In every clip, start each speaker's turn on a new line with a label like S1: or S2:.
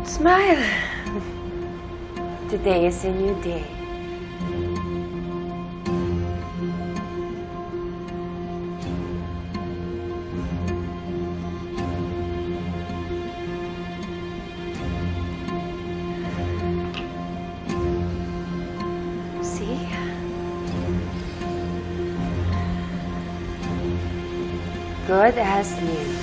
S1: Smile. Today is a new day. See? Good as new.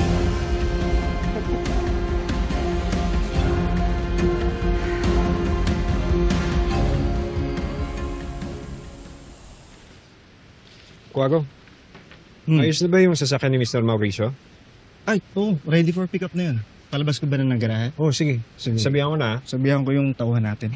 S2: Kuwago, ayos na ba yung sasakyan ni Mr. Mauricio?
S3: Ay, oo. Ready for pickup na yun. Palabas ko ba na ng garahe?
S2: Oh, sige.
S3: Sige.
S2: Sabihan ko na.
S3: Sabihan ko yung tauhan natin.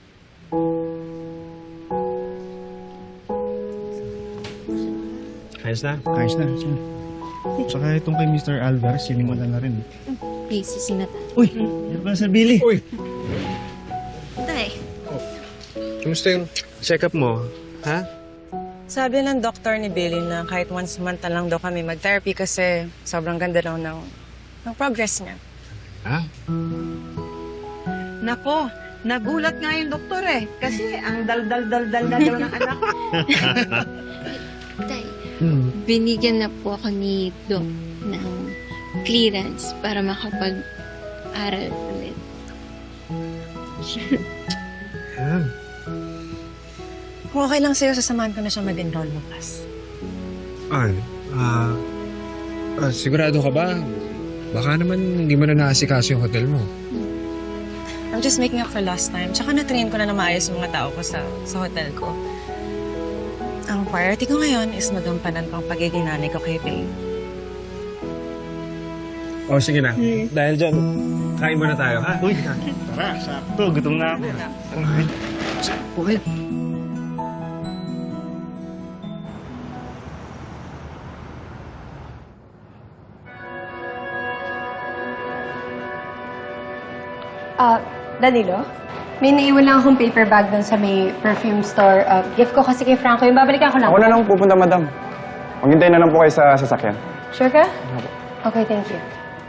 S2: Ayos na.
S3: Ayos na. Sige. Saka itong kay Mr. Alvarez, sinimulan na rin.
S4: Busy na tayo.
S3: Uy! Yan pala sa Billy.
S2: Uy!
S4: Tay,
S2: Kumusta yung check-up mo? Ha?
S5: Sabi ng doktor ni Billy na kahit once a month na lang daw kami mag-therapy kasi sobrang ganda daw ng progress niya.
S2: Ha?
S6: Nako, nagulat nga yung doktor eh. Kasi ang dal-dal-dal-dal na daw ng anak.
S4: tay, binigyan na po ako ni Doc ng clearance para makapag-aral ulit.
S2: Yan.
S5: Kung okay lang sa'yo, sasamahan ko na siya mag-enroll bukas.
S2: Ay, sigurado ka ba? Baka naman hindi mo na naasikaso yung hotel mo.
S5: I'm just making up for last time. Tsaka na-train ko na maayos yung mga tao ko sa hotel ko. Ang priority ko ngayon is magampanan ko ang pagiging nanay ko kay Billy.
S2: Oh, sige na. Dahil dyan, kain muna tayo, ha?
S3: Uy! Tara, sakto. Gutom na ako. Okay.
S7: Danilo? May naiwan lang akong paper bag doon sa may perfume store. Gift ko kasi kay Franco. Yung babalikan ko lang.
S8: Ako na lang pupunta, madam. Maghintay na lang po kayo sa sasakyan.
S7: Sure ka? Okay, thank you.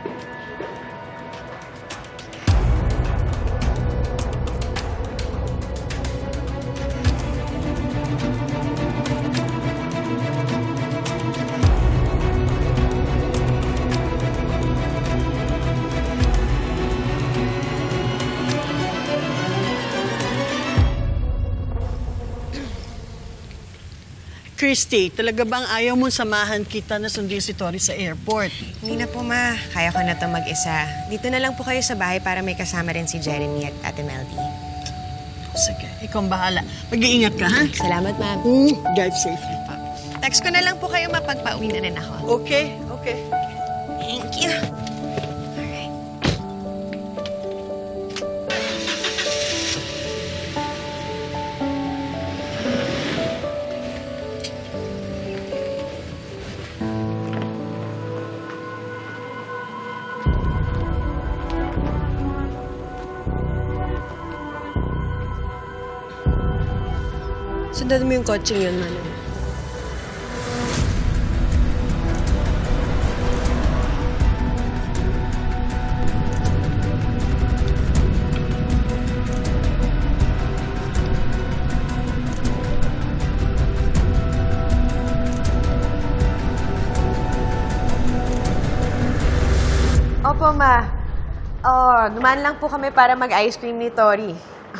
S6: Christy, talaga bang ayaw mong samahan kita na sundin si Tori sa airport?
S5: Hindi na po, ma. Kaya ko na to mag-isa. Dito na lang po kayo sa bahay para may kasama rin si Jeremy at Ate Meldy.
S6: Sige, ikaw ang bahala. Mag-iingat ka, ha?
S5: Salamat, ma'am.
S6: Drive safely pa.
S5: Text ko na lang po kayo mapagpauwi na rin ako.
S6: Okay, okay.
S5: Thank you. Alright. Sundan mo yung coaching yun, Manu. Opo, ma. Dumaan lang po kami para mag-ice cream ni Tori.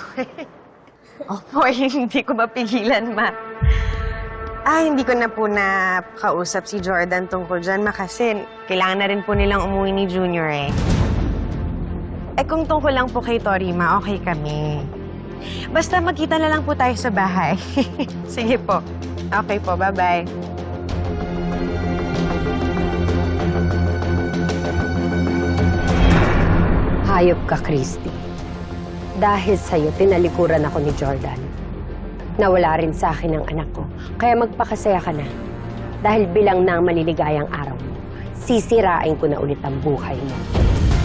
S5: Opo, hindi ko mapigilan, ma. Hindi ko na po kausap si Jordan tungkol dyan, ma, kasi kailangan na rin po nilang umuwi ni Junior, eh. Kung tungkol lang po kay Tori, ma, okay kami. Basta magkita na lang po tayo sa bahay. Sige po. Okay po, bye-bye.
S1: Hayop ka, Christy. Dahil sa'yo, tinalikuran ako ni Jordan. Nawala rin sa akin ang anak ko. Kaya magpakasaya ka na. Dahil bilang na ang maliligayang araw mo, sisirain ko na ulit ang buhay mo.